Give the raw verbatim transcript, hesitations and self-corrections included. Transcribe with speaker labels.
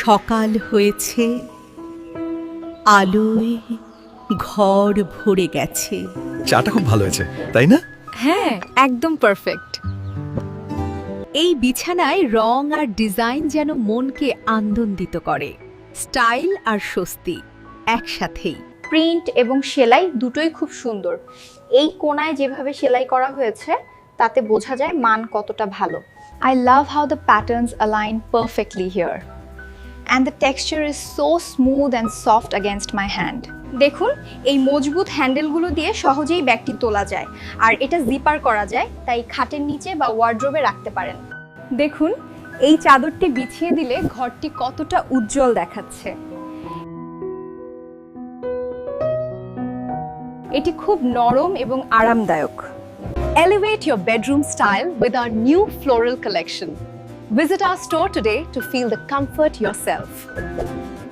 Speaker 1: সকাল হয়েছে, আলোয় ঘর ভরে গেছে।
Speaker 2: চাটা খুব ভালো হয়েছে, তাই না?
Speaker 3: হ্যাঁ, একদম পারফেক্ট।
Speaker 1: এই বিছানায় রং আর ডিজাইন যেন মনকে আনন্দিত করে। স্টাইল আর স্বস্তি একসাথেই।
Speaker 4: প্রিন্ট এবং সেলাই দুটোই খুব সুন্দর। এই কোণায় যেভাবে সেলাই করা হয়েছে তাতে বোঝা যায় মান কতটা ভালো। I love how the patterns align perfectly here. And the texture is so smooth and soft against my hand. দেখুন, এই মজবুত হ্যান্ডেলগুলো দিয়ে সহজেই ব্যাগটি তোলা যায়, আর এটা জিপার করা যায়, তাই খাটের নিচে বা ওয়ার্ড্রোবে রাখতে পারেন। দেখুন, এই চাদরটি বিছিয়ে দিলে ঘরটি কতটা উজ্জ্বল দেখাচ্ছে। এটি খুব নরম এবং আরামদায়ক।
Speaker 3: Elevate your bedroom style with our new floral collection. Visit our store today to feel the comfort yourself.